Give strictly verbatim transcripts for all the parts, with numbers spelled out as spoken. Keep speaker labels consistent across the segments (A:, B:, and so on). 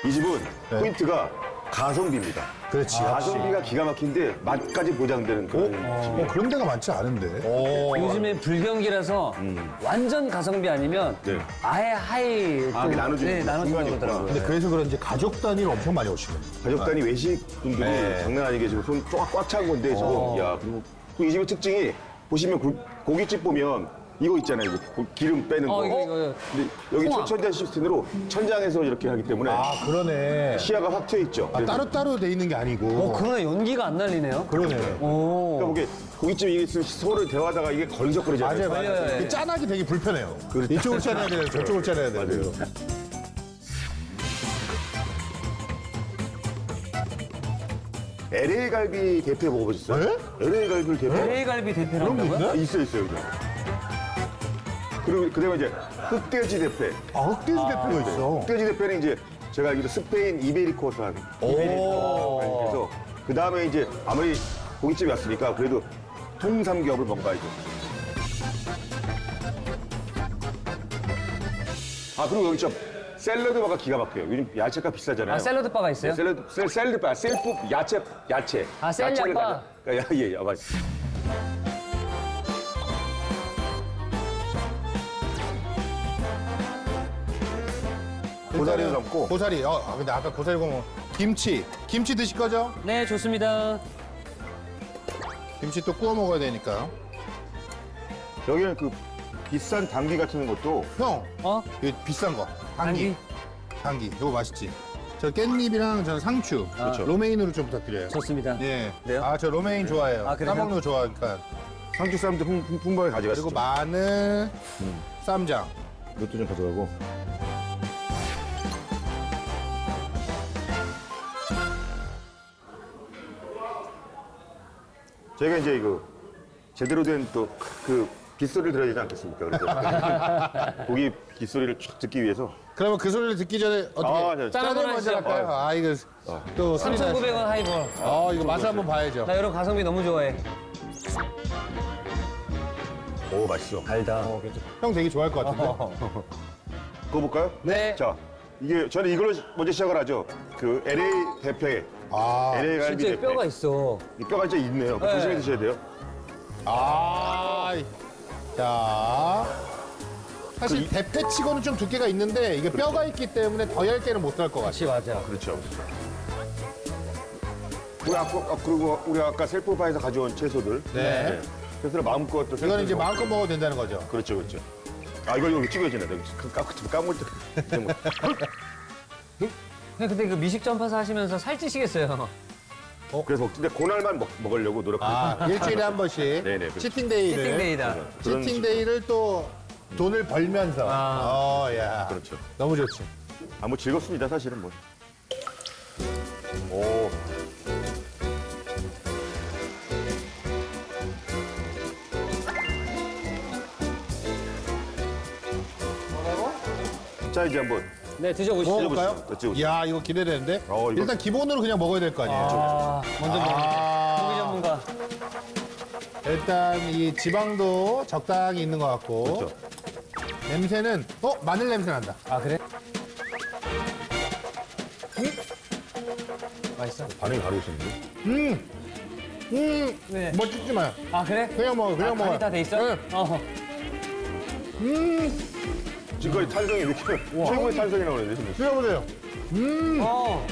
A: 이 집은
B: 네.
A: 포인트가 가성비입니다.
B: 그렇지.
A: 가성비가 기가 막힌데 맛까지 보장되는 그런 집이에요.
B: 어, 그런 데가 많지 않은데.
C: 요즘에 불경기라서 완전 가성비 아니면
A: 네.
C: 아예 하이
A: 아,
C: 또-
A: 나눠주는
C: 네, 나눠주는
A: 중간이구나.
C: 거더라고요.
B: 근데 그래서 그런지 가족 단위로 엄청 많이 오시네.
A: 가족 단위 외식 분들이
B: 네.
A: 장난 아니게 지금 손 꽉 찬 건데 지금 야 그리고 또 이 집의 특징이 보시면 고, 고깃집 보면 이거 있잖아요. 이거 고- 기름 빼는 거.
C: 어, 이거, 이거.
A: 근데 여기
C: 홍합.
A: 천장 시스템으로 천장에서 이렇게 하기 때문에
B: 아, 그러네.
A: 시야가 확 트여 있죠.
B: 아,
A: 그래서
B: 따로따로 돼 있는 게 아니고.
C: 어, 그러네. 연기가 안 날리네요.
B: 그러네.
C: 오.
A: 그러니까 이게 고깃집 이게 있으면 서로 대화하다가 이게 걸리적거리잖아요.
B: 맞아요, 맞아요.
C: 맞아요.
B: 그 짠하기 되게 불편해요. 이쪽을 짜내야 돼요, 저쪽을 짜내야 돼요.
A: 맞아요. 엘에이 갈비 대패 먹어보셨어요?
B: 네?
A: 엘에이 갈비를 대패
C: 엘에이 갈비 대패를
B: 그런 게
C: 한다고요?
B: 있나?
A: 있어요, 있어요. 그냥. 그리고 그다음에 이제 흑돼지 대패.
B: 아, 흑돼지 대표가 있어.
A: 흑돼지 대패는 이제 제가 알기로 스페인 이베리코산 이베리코에서 그 다음에 이제 아무리 고깃집이 왔으니까 그래도 통삼겹을 먹어야죠. 아 그리고 여기 좀 샐러드바가 기가 막혀요. 요즘 야채가 비싸잖아요.
C: 아, 샐러드 바가 있어요?
A: 샐러드 샐, 샐러드바 셀프 야채 야채.
C: 아, 샐
A: 야채를
C: 바.
A: 가져- 야, 예, 예, 맞. 고사리도 담고.
B: 고사리. 어, 아, 근데 아까 고사리 보면 김치. 김치 드실 거죠?
C: 네, 좋습니다.
B: 김치 또 구워 먹어야 되니까.
A: 여기는 그 비싼 당귀 같은 것도
B: 형,
C: 어?
B: 이거 비싼 거. 당귀. 당귀. 이거 맛있지? 저 깻잎이랑 저는 상추. 그렇죠. 로메인으로 좀 부탁드려요.
C: 좋습니다.
B: 예.
C: 네요?
B: 아, 저 로메인 좋아해요.
C: 아, 그래요?
B: 싸먹는 거 좋아하니까.
A: 상추 쌈도 풍- 풍- 풍부하게 가져갔죠.
B: 그리고 마늘, 쌈장.
A: 이것도 좀 가져가고. 저희가 이제 이거 제대로 된 또 그 빗소리를 들어야 되지 않겠습니까? 그래서 고기 빗소리를 쫙 듣기 위해서
B: 그러면 그 소리를 듣기 전에 어떻게
A: 아, 네.
B: 짠 한번 먼저
C: 하시죠.
B: 할까요? 아, 이거 또 소리 나시-
C: 삼천구백 원 하이볼.
B: 아, 이거 맛을 한번 봐야죠.
C: 나 이런 가성비 너무 좋아해.
A: 오 맛있어.
C: 달다.
B: 형 되게 좋아할 것 같은데.
A: 그거 볼까요?
C: 네.
A: 자 이게 저는 이걸로 먼저 시작을 하죠. 그 엘에이 대패
B: 아,
A: 엘에이 갈비
C: 진짜
A: 대패.
C: 뼈가 있어.
A: 이 뼈가 진짜 있네요.
C: 네.
A: 조심히 드셔야 돼요.
B: 아, 자. 사실 대패치고는 좀 두께가 있는데 이게 뼈가 있기 때문에 더 얇게는 못 할 것 같아요.
C: 그렇지, 맞아.
A: 그렇죠. 우리 아까 아, 그리고 우리 아까 셀프바에서 가져온 채소들.
B: 네.
A: 채소를 마음껏 또
B: 이거는 이제
A: 셀프로-
B: 마음껏 먹어도 된다는 거죠.
A: 그렇죠, 그렇죠. 아 이걸 여기 찍어야지네. 내가 까 까물 때. 이제 뭐.
C: 근데 그때 그 미식 전파사 하시면서 살찌시겠어요.
A: 그래서 먹- 근데 그날만 먹, 먹으려고 노력하고.
B: 아, 일주일에 한 번씩
A: 네네, 그렇죠.
B: 치팅데이를
C: 치팅데이다.
A: 그런
B: 치팅데이를 또 돈을 벌면서.
C: 아.
B: 어, 야.
A: 그렇죠.
B: 너무 좋지.
A: 아 뭐 즐겁습니다 사실은 뭐. 오. 자 이제 한번
C: 네, 드셔보시죠.
B: 먹어볼까요?
A: 드셔보시죠.
B: 이야, 이거 기대되는데?
A: 어, 이거-
B: 일단 기본으로 그냥 먹어야 될 거 아니에요?
C: 아, 먼저 먹는 고기
B: 아,
C: 전문가.
B: 일단 이 지방도 적당히 있는 것 같고.
A: 그렇죠.
B: 냄새는, 어? 마늘 냄새 난다.
C: 아, 그래? 맛있어?
A: 반응이 바로 오셨는데.
B: 음! 음!
C: 네.
B: 뭐 찍지 마요.
C: 아, 그래?
B: 그냥 먹어, 그냥
C: 아,
B: 먹어.
C: 간이 다 돼 있어?
B: 네.
C: 어.
A: 지금까지 탄성이 이렇게 최고의 탄성이 나오는데 지금.
B: 드셔보세요.
C: 어.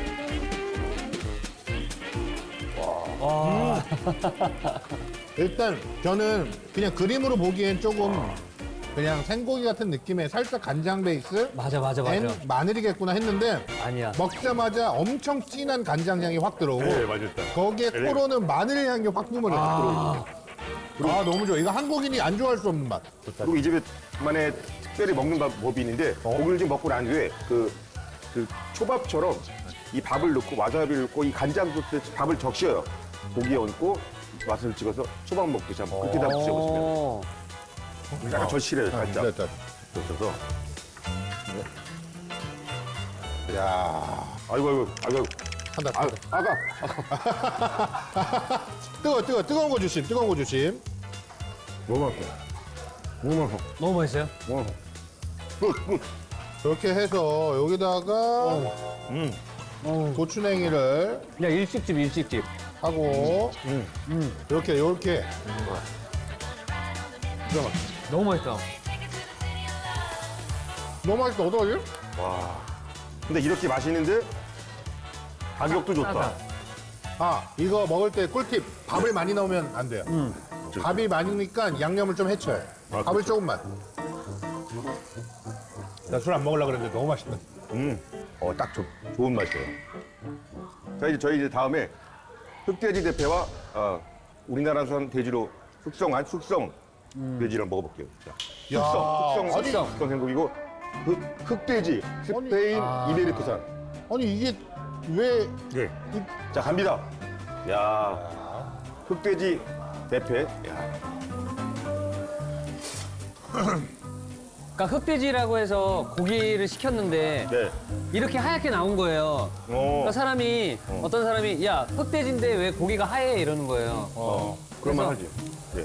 B: 일단 저는 그냥 그림으로 보기엔 조금 그냥 생고기 같은 느낌의 살짝 간장 베이스
C: 맞아, 맞아, 맞아.
B: 앤 마늘이겠구나 했는데
C: 아니야.
B: 먹자마자 엄청 진한 간장 향이 확 들어오고
A: 네 맞았다.
B: 거기에 코로는 마늘 향이 확 뿜어져 아. 아 너무 좋아. 이거 한국인이 안 좋아할 수 없는 맛.
A: 그리고 이 집에만의 특별히 먹는 밥- 법이 있는데 고기를 좀 먹고 난 뒤에 그, 그 초밥처럼 이 밥을 넣고 와사비를 넣고 이 간장 소스에 밥을 적셔요. 고기에 얹고 맛을 찍어서 초밥 먹듯이 한번 그렇게 다 드셔보시면
C: 어.
A: 약간 절실해요 살짝.
B: 됐다.
A: 드셔서
B: 야
A: 아이고 아이고 아이고
B: 한다.
A: 아,
B: 한다.
A: 아가
B: 뜨거 뜨거 뜨거운 거 조심. 뜨거운 거 조심.
A: 너무 맛있어. 너무 맛있어.
C: 너무 맛있어요?
A: 너무 맛있어. 굿 굿.
B: 이렇게 해서 여기다가
A: 음.
B: 고추냉이를
C: 야, 일식집, 일식집.
B: 하고
A: 음.
B: 이렇게 이렇게
C: 너무 맛있다.
B: 너무 맛있다. 어떡하지?
A: 와. 근데 이렇게 맛있는데 가격도 좋다.
C: 싸다.
B: 아 이거 먹을 때 꿀팁. 밥을 많이 넣으면 안 돼요. 밥이 많으니까 양념을 좀 해쳐요.
A: 아,
B: 밥을 조금만. 나 술 안 먹으려고 그랬는데 너무 맛있다.
A: 음. 어, 딱 좋, 좋은 맛이에요. 자, 이제 저희 이제 다음에 흑돼지 대패와 어, 우리나라산 돼지로 숙성한 숙성 돼지를 먹어볼게요. 자,
B: 야,
A: 숙성, 숙성,
B: 아니.
A: 숙성 생고기고 흑, 흑돼지 스페인 이베리코산.
B: 아니 이게 왜
A: 네. 자, 갑니다. 야, 흑돼지 대패. 야,
C: 그러니까 흑돼지라고 해서 고기를 시켰는데
A: 네.
C: 이렇게 하얗게 나온 거예요.
A: 어,
C: 그러니까 사람이 어. 떤 사람이 야 흑돼지인데 왜 고기가 하얘 이러는 거예요.
A: 어, 그런 말
C: 그래서-
A: 하지. 네,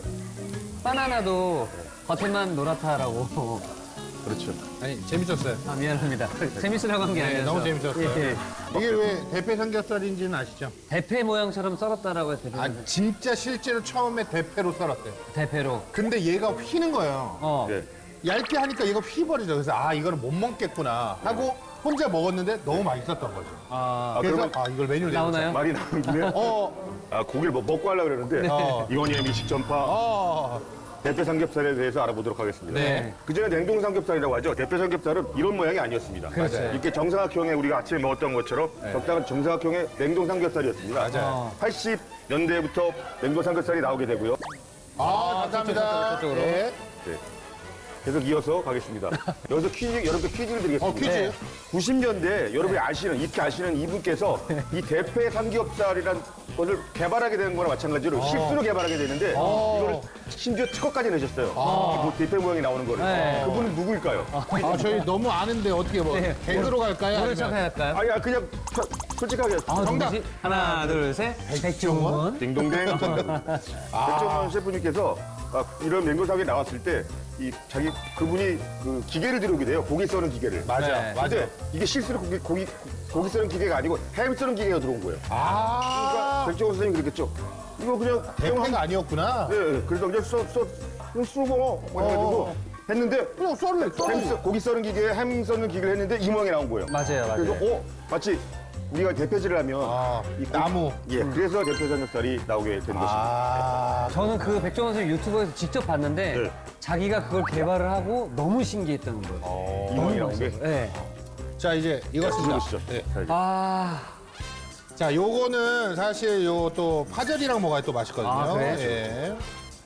C: 바나나도 겉에만 노랗다라고.
A: 그렇죠.
B: 아니 재밌었어요.
C: 아 미안합니다. 재밌으라고 한 게
B: 네,
C: 아니라서.
B: 너무 재밌었어요.
C: 예, 예.
B: 이게 왜 대패 삼겹살인지는 아시죠?
C: 대패 모양처럼 썰었다라고 해서 대패,
B: 아 진짜 실제로 처음에 대패로 썰었대요.
C: 대패로.
B: 근데 얘가 휘는 거예요.
C: 어.
A: 네.
B: 얇게 하니까 얘가 휘버리죠. 그래서 아 이거는 못 먹겠구나 하고 혼자 먹었는데 너무 맛있었던 거죠.
C: 아,
A: 아,
B: 그래서
A: 그러면
B: 아 이걸 메뉴로
C: 나오나요?
A: 말이 나온 김에
B: 어,
A: 아, 고기를 뭐 먹고 하려고 그러는데
B: 어.
A: 이건희의 미식 전파
B: 어,
A: 대패 삼겹살에 대해서 알아보도록 하겠습니다.
B: 네.
A: 그전에 냉동 삼겹살이라고 하죠. 대패 삼겹살은 이런 모양이 아니었습니다.
C: 그렇죠.
A: 이렇게 정사각형의 우리가 아침에 먹었던 것처럼 적당한 정사각형의 냉동 삼겹살이었습니다.
B: 맞아요.
C: 어.
A: 팔십 년대부터 냉동 삼겹살이 나오게 되고요.
B: 아 감사합니다.
C: 저쪽으로, 저쪽으로.
B: 네.
A: 네. 계속 이어서 가겠습니다. 여기서 퀴즈, 여러분께 퀴즈를 드리겠습니다.
B: 어 퀴즈.
C: 네.
A: 구십 년대 여러분이 아시는, 익히 아시는 이분께서 이 대패 삼겹살이란 것을 개발하게 되는 거나 마찬가지로 실수로 개발하게 되는데
B: 어.
A: 이거를 심지어 특허까지 내셨어요. 이 뭐 대패 모양이 나오는 거를.
C: 네.
A: 그분은 누구일까요?
B: 아 저희 너무 아는데 어떻게 뭐
C: 네.
B: 개그로 갈까요?
C: 오늘
B: 아니면-
C: 시작할까요?
A: 아니야, 그냥 서- 솔직하게.
C: 아,
B: 정답.
C: 누구지? 하나, 둘, 셋. 백종원.
A: 딩동댕. 백종원 셰프님께서 아, 이런 맹고사에 나왔을 때 이 자기 그분이 그 기계를 들여오게 돼요. 고기 써는 기계를.
B: 맞아,
C: 네.
B: 맞아.
A: 근데 이게 실수로 고기, 고기, 고기 써는 기계가 아니고 햄 쓰는 기계가 들어온 거예요. 그러니까
B: 아,
A: 백종원 선생님이 그랬겠죠. 이거 그냥
B: 대패가 아니었구나.
A: 네, 네. 그래서 그냥 써, 써, 그냥 쓰고 뭐 해가지고
B: 어.
A: 했는데
B: 그냥 썰래,
A: 햄
B: 썰래.
A: 써, 고기 써는 기계에 햄 써는 기계를 했는데 이 모양이 나온 거예요.
C: 맞아요, 맞아요.
A: 그래서 어 마치 우리가 대패질을 하면
B: 아,
A: 이 고-
B: 나무.
A: 예, 그래서 대패 삼겹살이 나오게 된 것입니다.
B: 아,
C: 저는 그 백종원 선생 유튜브에서 직접 봤는데
A: 네.
C: 자기가 그걸 개발을 하고 너무 신기했다는 거예요.
A: 이 모양이 나온 게.
C: 네.
B: 자 이제 이것입니다.
A: 드셔보시죠.
B: 네.
C: 아,
B: 자, 요거는 사실 요 또 파절이랑 먹어야 또 맛있거든요.
C: 아, 그래요?
B: 예.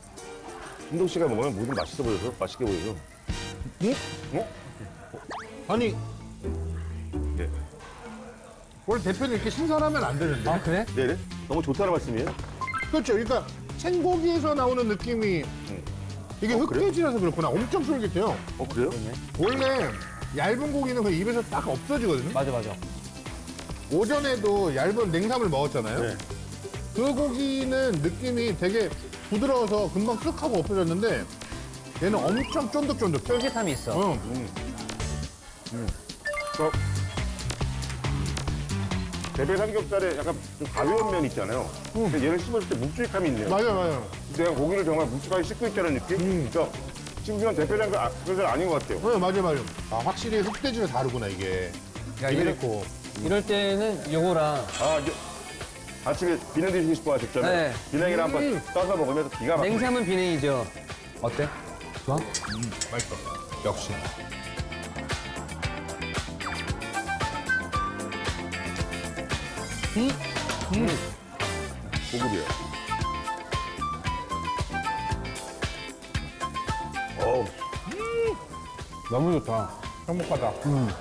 A: 운동 씨가 먹으면 뭐든 맛있어 보여서 맛있게 보여서.
B: 응?
A: 어?
B: 아니,
A: 네.
B: 원래 대표는 이렇게 신선하면 안 되는데.
C: 아 그래?
A: 네네. 너무 좋다는 말씀이에요.
B: 그렇죠. 그러니까 생고기에서 나오는 느낌이 이게
A: 어, 그래요?
B: 흑돼지라서 그렇구나. 엄청 쫄깃해요.
A: 어 그래요?
B: 원래 얇은 고기는 그 입에서 딱 없어지거든요.
C: 맞아, 맞아.
B: 오전에도 얇은 냉삼을 먹었잖아요.
A: 네.
B: 그 고기는 느낌이 되게 부드러워서 금방 쓱 하고 없어졌는데 얘는 엄청 쫀득쫀득해.
C: 쫄깃함이 있어.
B: 응.
A: 어. 대패 삼겹살에 약간 좀 가벼운 면 있잖아요. 근데 얘를 씹었을 때 묵직함이 있네요.
B: 맞아요, 맞아요.
A: 내가 고기를 정말 묵직하게 씹고 있다는 느낌? 그러니까 씹으면 대패 삼겹살 아닌 것 같아요.
B: 네, 맞아요, 맞아요. 아, 확실히 흑돼지는 다르구나, 이게.
C: 야,
B: 이랬고.
C: 이럴 때는 요거랑
A: 아 이제 아침에 비냉 드시고 싶어 하셨잖아요.
C: 네.
A: 비냉이를 한번 떠서 먹으면 기가 막혀요.
C: 냉삼은 비냉이죠. 어때? 좋아?
B: 맛있어. 역시.
A: 고급이에요. 어우,
B: 너무 좋다. 행복하다.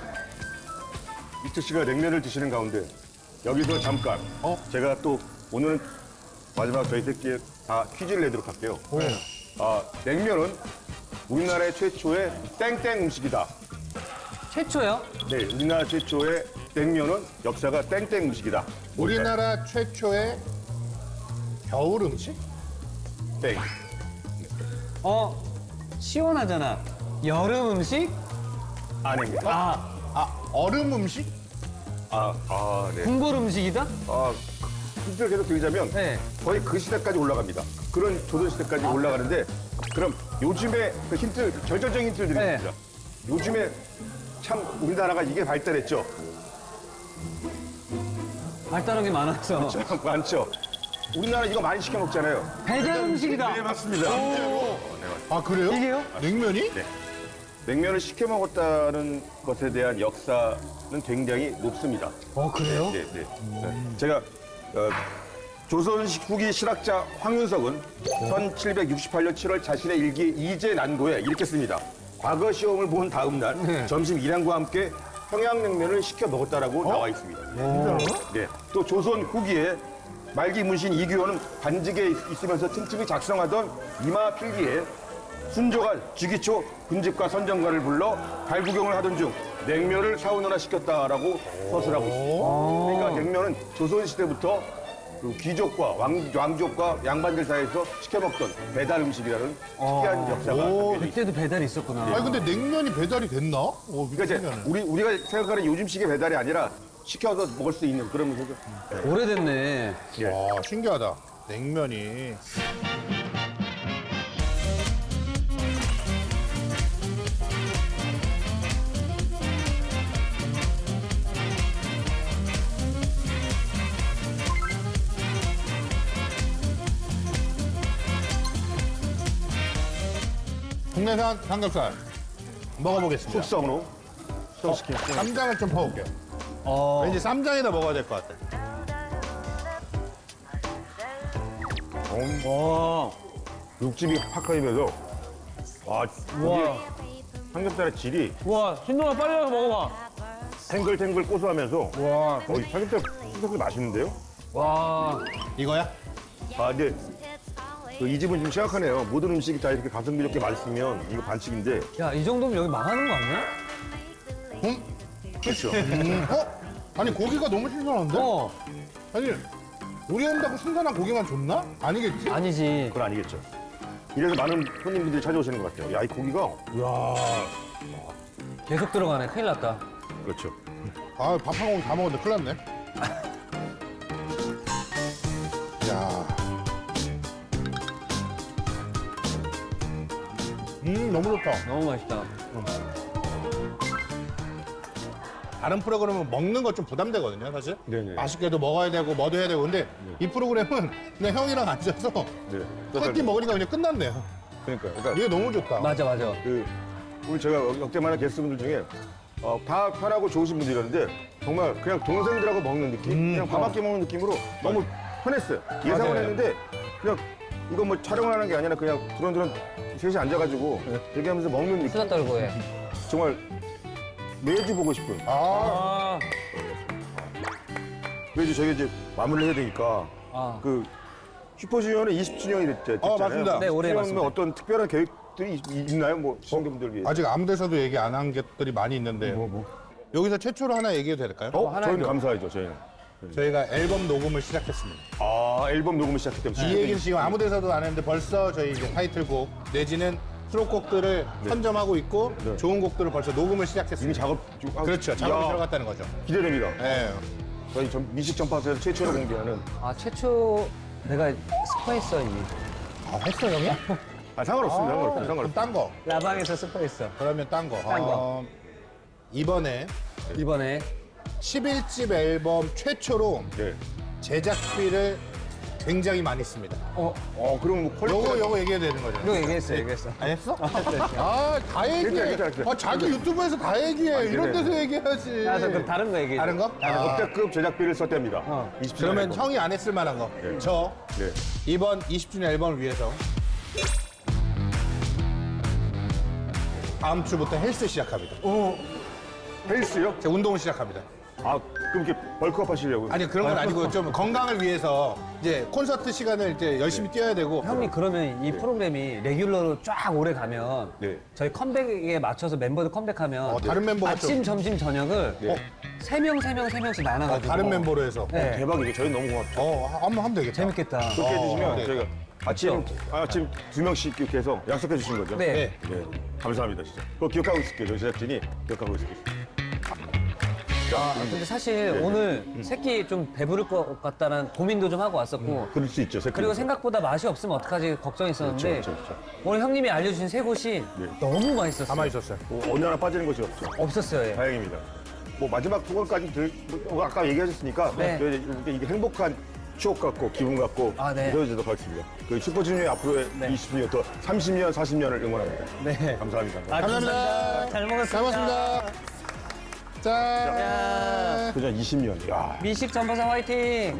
A: 이철 씨가 냉면을 드시는 가운데 여기서 잠깐
B: 어?
A: 제가 또 오늘은 마지막 저희 새끼에 다 퀴즈를 내도록 할게요. 아, 냉면은 우리나라의 최초의 땡땡 음식이다.
C: 최초요?
A: 네, 우리나라 최초의 냉면은 역사가 땡땡 음식이다. 뭘까요?
B: 우리나라 최초의 겨울 음식?
A: 땡.
C: 어, 시원하잖아. 여름 음식?
A: 아닙니다.
C: 아,
B: 아, 얼음 음식?
A: 아, 아, 네.
C: 국물 음식이다?
A: 아, 힌트를 계속 드리자면
C: 네.
A: 거의 그 시대까지 올라갑니다. 그런 조선 시대까지 올라가는데 그럼 요즘에 그 힌트, 결정적인 힌트를 드리겠습니다. 요즘에 참 우리나라가 이게 발달했죠.
C: 발달한 게 많았어.
A: 참 많죠. 우리나라 이거 많이 시켜 먹잖아요.
C: 배달 음식이다.
A: 네, 맞습니다.
B: 아, 그래요?
C: 이게요?
B: 냉면이?
A: 네. 냉면을 시켜 먹었다는 것에 대한 역사는 굉장히 높습니다.
C: 어, 그래요?
A: 네, 네. 네. 제가 어, 조선 후기 실학자 황윤석은 천칠백육십팔 년 칠월 자신의 일기 이제 난고에 이렇게 씁니다. 과거 시험을 본 다음 날
C: 네.
A: 점심 일양과 함께 평양냉면을 시켜 먹었다라고 나와 있습니다. 네. 또 조선 후기에 말기 문신 이규호는 반직에 있으면서 틈틈이 작성하던 이마 필기에 순조가 주기초 군집과 선정가를 불러 발구경을 하던 중 냉면을 사오느라 시켰다라고 서술하고 있습니다. 그러니까 냉면은 조선시대부터 그 귀족과 왕, 왕족과 양반들 사이에서 시켜 먹던 배달 음식이라는 특이한 역사가
B: 오,
A: 담겨져 있습니다.
C: 그때도 배달이 있었구나.
B: 아니, 근데 냉면이 배달이 됐나? 어,
A: 그러니까 이제
B: 미치면은.
A: 우리, 우리가 생각하는 요즘식의 배달이 아니라 시켜서 먹을 수 있는 그런 음식을
C: 오래됐네.
B: 와, 신기하다. 냉면이. 국내산 삼겹살 먹어보겠습니다.
A: 숙성으로 숙성시킨
B: 쌈장을 좀 퍼올게요.
C: 어,
B: 왠지 쌈장에다 먹어야 될 것 같아.
C: 와,
A: 육즙이 확 가면서 와,
C: 와,
A: 삼겹살의 질이
C: 와, 신동아 빨리 와서 먹어봐.
A: 탱글탱글 고소하면서
C: 와,
A: 어, 이 삼겹살 삼겹살 맛있는데요?
C: 와,
B: 이거야?
A: 아 근데 그 이 집은 좀 심각하네요. 모든 음식이 다 이렇게 가성비 좋게 맛있으면 이거 반칙인데
C: 야, 이 정도면 여기 망하는 거 아니야?
B: 응?
A: 그렇죠.
B: 음, 어? 아니, 고기가 너무 신선한데?
C: 어,
B: 아니, 우리 온다고 신선한 고기만 줬나? 아니겠지?
C: 아니지.
A: 그건 아니겠죠. 이래서 많은 손님분들이 찾아오시는 것 같아요. 야, 이 고기가
B: 이야.
C: 계속 들어가네. 큰일 났다.
A: 그렇죠.
B: 아, 밥 한 공기 다 먹었는데 큰일 났네. 야. 음, 너무 좋다.
C: 너무 맛있다.
B: 다른 프로그램은 먹는 거 좀 부담되거든요, 사실.
A: 네네.
B: 맛있게도 먹어야 되고, 뭐도 해야 되고. 근데 이 프로그램은 그냥 형이랑 앉아서
A: 네.
B: 한 끼 먹으니까 그냥 끝났네요.
A: 그러니까, 그러니까
B: 이게 너무 좋다.
C: 맞아, 맞아.
A: 그 우리 제가 역대 많은 게스트분들 중에 어, 다 편하고 좋으신 분들이었는데 정말 그냥 동생들하고 먹는 느낌, 그냥 밥 한 끼 먹는 느낌으로 너무 편했어요. 예상을
C: 맞아요.
A: 했는데 그냥 이거 뭐 촬영을 하는 게 아니라 그냥 두런두런 셋이 앉아가지고 얘기하면서 먹는 느낌.
C: 수다 떨고 해.
A: 정말 매주 보고 싶은.
B: 아,
C: 아,
A: 매주 저희 이제 마무리를 해야 되니까
C: 아.
A: 그 슈퍼주니어는 이십 주년이 됐잖아요.
B: 어, 맞습니다.
C: 네, 올해
A: 뭐
C: 맞습니다.
A: 어떤 특별한 계획들이 있- 있나요? 뭐 시청자분들 위해.
B: 아직 아무 데서도 얘기 안 한 것들이 많이 있는데. 여기서 최초로 하나 얘기해도 될까요?
A: 어?
C: 하나
A: 저희는
C: 해줘.
A: 감사하죠, 저희는.
B: 저희가 앨범 녹음을 시작했습니다.
A: 아, 앨범 녹음을 시작했기 때문에.
B: 이 얘기를 지금 아무 데서도 안 했는데 벌써 저희 이제 타이틀곡 내지는 수록곡들을 선점하고 있고
A: 네.
B: 좋은 곡들을 벌써 녹음을
A: 이미
B: 시작했습니다.
A: 작업 중. 아,
B: 그렇죠. 작업이
A: 이야,
B: 들어갔다는 거죠.
A: 기대됩니다.
B: 네.
A: 저희 전 미식 전파사에서 최초로 공개하는.
C: 아, 최초 내가 스파했어, 이미.
B: 아, 했어, 형이?
A: 아, 상관없습니다. 상관없습니다.
B: 그럼
A: 상관없습니다.
B: 딴 거.
C: 라방에서 스파했어.
B: 그러면 딴 거.
C: 딴 거.
B: 어, 이번에
C: 이번에.
B: 십일 집 앨범 최초로
A: 네.
B: 제작비를 굉장히 많이 씁니다.
C: 어,
A: 어, 그럼 뭐 퀄리티.
B: 요거, 요거 얘기해야 되는 거죠.
C: 이거 얘기했어, 얘기했어.
B: 안 했어? 아, 다 얘기해.
A: 괜찮아, 괜찮아, 괜찮아.
B: 아, 자기 유튜브에서 다 얘기해. 이런 데서 얘기해야지.
C: 아, 저 그럼 다른 거 얘기해.
B: 다른 거? 아,
A: 역대급 제작비를 썼답니다.
C: 어.
A: 이십 주년
B: 그러면
A: 앨범.
B: 형이 안 했을 만한 거.
A: 네.
B: 저
A: 네.
B: 이번 이십 주년 앨범을 위해서 다음 주부터 헬스 시작합니다.
A: 헬스요?
B: 제가 운동을 시작합니다.
A: 아, 그럼 이렇게 벌크업 하시려고요?
B: 아니 그런 건 아니고 좀 건강을 위해서 이제 콘서트 시간을 이제 열심히 뛰어야 되고.
C: 형이 그러면 이 프로그램이 레귤러로 쫙 오래 가면
A: 네.
C: 저희 컴백에 맞춰서 멤버들 컴백하면
B: 어, 다른 멤버가
C: 아침,
B: 좀-
C: 점심, 저녁을
A: 네.
C: 세 명, 세 명, 세 명씩 나눠가지고
B: 다른 멤버로 해서.
C: 네.
A: 대박이죠. 저희 너무 고맙죠.
B: 어, 한번 하면 되겠다.
C: 재밌겠다.
A: 그렇게
B: 어,
A: 해주시면
B: 네.
A: 저희가 아침 아침 두 명씩 이렇게 해서 약속해 주신 거죠?
C: 네.
A: 네. 감사합니다 진짜. 그거 기억하고 있을게요. 저희 제작진이 기억하고 있을게요.
C: 아, 근데 사실 오늘 새끼 좀 배부를 것 같다는 고민도 좀 하고 왔었고
A: 그럴 수 있죠. 새끼.
C: 그리고 생각보다 맛이 없으면 어떡하지 걱정했었는데
A: 그렇죠, 그렇죠,
C: 오늘 형님이 알려주신 세 곳이
A: 네.
C: 너무 맛있었어요.
B: 가만히 있었어요.
A: 뭐 어느 하나 빠지는 것이 없죠.
C: 없었어요. 예.
A: 다행입니다. 뭐 마지막 두 번까지 들, 뭐 아까 얘기하셨으니까
C: 네.
A: 이게, 이게 행복한 추억 같고 기분 같고
C: 아, 네.
A: 이어지도록 하겠습니다. 그 슈퍼주니어의 앞으로의
C: 네.
A: 이십 년 더 삼십 년, 사십 년을 응원합니다.
C: 네.
A: 감사합니다.
C: 아,
B: 감사합니다.
C: 잘 먹었습니다.
B: 잘 먹었습니다. 짠.
C: 야,
A: 그냥 이십 년. 야.
C: 미식 전파사 화이팅!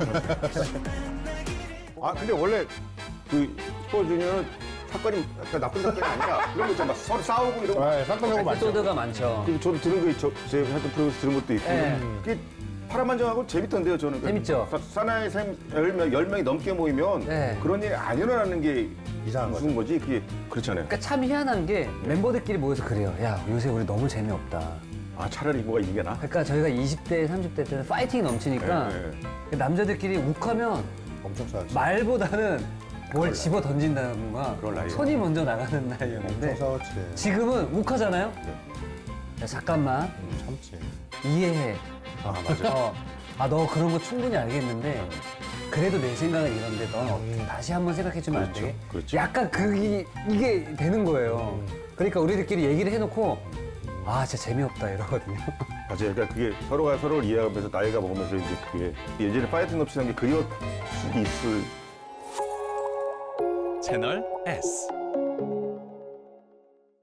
A: 아 근데 원래 그 슈퍼주니어는 사건이 약간 나쁜 사건이 아니라 그런 거 있잖아. 막 서로 싸우고 이런 거.
B: 네, 사건 사고 많죠.
C: 에피소드가 많죠.
A: 그리고 저도 들은 거, 저, 제 하여튼 프로그램에서 들은 것도 있고.
C: 네.
A: 그게 파란만장하고 재밌던데요, 저는.
C: 재밌죠?
A: 사- 사나이 샘 열 명, 열 명이 넘게 모이면
C: 네.
A: 그런 일이 안 일어나는 게
B: 이상한
A: 무슨 거지? 그게 그렇잖아요.
C: 그러니까 참 희한한 게 멤버들끼리 모여서 그래요. 야, 요새 우리 너무 재미없다.
A: 아, 차라리 이거가 이게 나?
C: 그러니까 저희가 이십 대, 삼십 대 때는 파이팅이 넘치니까
A: 네, 네.
C: 남자들끼리 욱하면
B: 엄청 싸웠죠.
C: 말보다는 뭘 집어 던진다던가
A: 그럴 나이에요.
C: 손이 먼저 나가는
B: 엄청
C: 나이였는데
B: 싸웠지.
C: 지금은 욱하잖아요? 야, 잠깐만
B: 참지.
C: 이해해.
A: 아, 맞아.
C: 어, 아, 너 그런 거 충분히 알겠는데 그래도 내 생각은 이런데 넌 어, 다시 한번 생각해주면 안
A: 그렇죠,
C: 돼?
A: 그렇죠.
C: 약간 그게 이게 되는 거예요. 그러니까 우리들끼리 얘기를 해놓고 아 진짜 재미없다 이러거든요.
A: 맞아요. 그러니까 그게 서로가 서로를 이해하면서 나이가 먹으면서 이제 그게 예전에 파이팅 넘치는 게 그리울 수도 있을
D: 채널 S.